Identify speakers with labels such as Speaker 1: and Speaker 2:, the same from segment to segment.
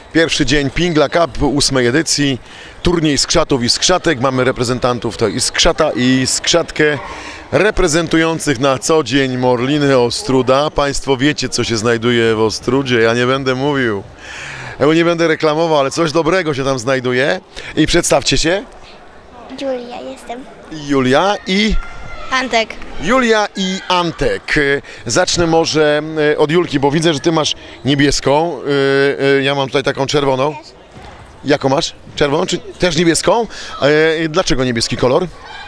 Speaker 1: Pierwszy dzień Pingla Cup 8 edycji, turniej skrzatów i skrzatek. Mamy reprezentantów to i skrzata i skrzatkę reprezentujących na co dzień Morliny Ostróda. Państwo wiecie, co się znajduje w Ostródzie, ja nie będę mówił, bo nie będę reklamował, ale coś dobrego się tam znajduje. I przedstawcie się.
Speaker 2: Julia jestem.
Speaker 1: Julia i...
Speaker 3: Antek.
Speaker 1: Julia i Antek. Zacznę może od Julki, bo widzę, że ty masz niebieską. Ja mam tutaj taką czerwoną. Jaką masz? Czerwoną czy też niebieską? Dlaczego niebieski kolor?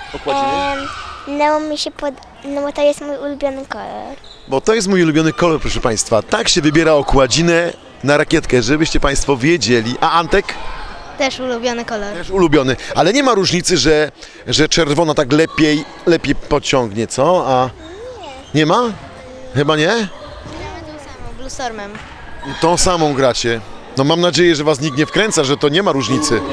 Speaker 2: No mi się no bo to jest mój ulubiony kolor.
Speaker 1: Bo to jest mój ulubiony kolor, proszę Państwa. Tak się wybiera okładzinę na rakietkę, żebyście Państwo wiedzieli. A Antek?
Speaker 3: Też ulubiony kolor.
Speaker 1: Też ulubiony. Ale nie ma różnicy, że czerwona tak lepiej pociągnie, co? A nie ma? Chyba nie?
Speaker 3: Gramy tą samą, Blue Stormem.
Speaker 1: Tą samą gracie. No mam nadzieję, że was nikt nie wkręca, że to nie ma różnicy.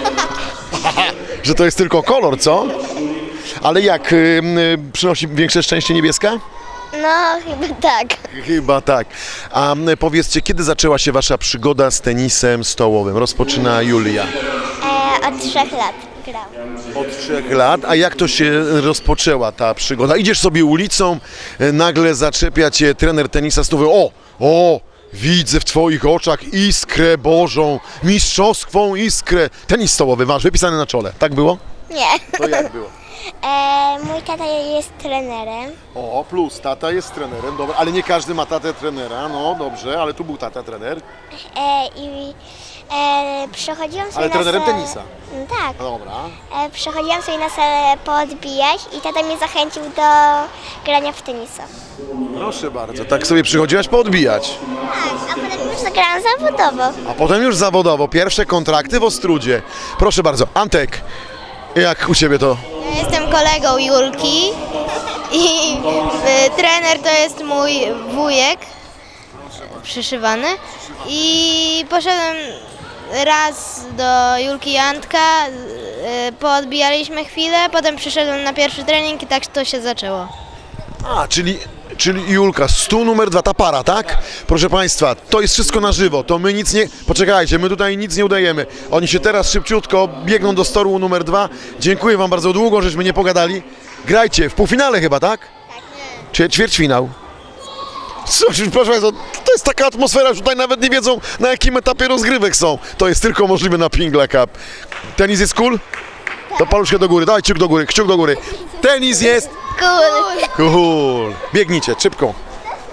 Speaker 1: Że to jest tylko kolor, co? Ale jak? Przynosi większe szczęście niebieska?
Speaker 2: No chyba tak.
Speaker 1: Chyba tak. A powiedzcie, kiedy zaczęła się wasza przygoda z tenisem stołowym? Rozpoczyna Julia.
Speaker 2: Od 3 lat gram.
Speaker 1: Od 3 lat. A jak to się rozpoczęła ta przygoda? Idziesz sobie ulicą, nagle zaczepia cię trener tenisa stołowego. O! Widzę w twoich oczach iskrę Bożą, mistrzowską iskrę. Tenis stołowy masz wypisany na czole. Tak było?
Speaker 2: Nie.
Speaker 1: To jak było?
Speaker 2: Mój tata jest trenerem.
Speaker 1: O, plus tata jest trenerem, dobra, ale nie każdy ma tatę trenera, no dobrze, ale tu był tata trener.
Speaker 2: I przechodziłam sobie
Speaker 1: Ale
Speaker 2: na
Speaker 1: trenerem
Speaker 2: salę.
Speaker 1: tenisa.
Speaker 2: Tak.
Speaker 1: Dobra.
Speaker 2: Przechodziłam sobie na salę poodbijać i tata mnie zachęcił do grania w tenisa.
Speaker 1: Proszę bardzo, tak sobie przychodziłaś poodbijać.
Speaker 2: Tak, a potem już zagrałam zawodowo.
Speaker 1: A potem już zawodowo, pierwsze kontrakty w Ostródzie. Proszę bardzo, Antek, jak u Ciebie to?
Speaker 3: Ja jestem kolegą Julki i trener to jest mój wujek przyszywany i poszedłem raz do Julki i Antka, poodbijaliśmy chwilę, potem przyszedłem na pierwszy trening i tak to się zaczęło.
Speaker 1: A, czyli Julka, stół numer 2, ta para, tak? Proszę Państwa, to jest wszystko na żywo, to my nic nie... Poczekajcie, my tutaj nic nie udajemy. Oni się teraz szybciutko biegną do stołu numer 2. Dziękuję Wam bardzo długo, żeśmy nie pogadali. Grajcie, w półfinale chyba, tak? Tak, nie. Czy ćwierćfinał? Coś, proszę Państwa, to jest taka atmosfera, że tutaj nawet nie wiedzą, na jakim etapie rozgrywek są. To jest tylko możliwe na Pingla Cup. Tenis jest cool? To paluszkę do góry, daj kciuk do góry, kciuk do góry. Tenis jest
Speaker 3: Cool.
Speaker 1: cool. Biegnijcie, szybko.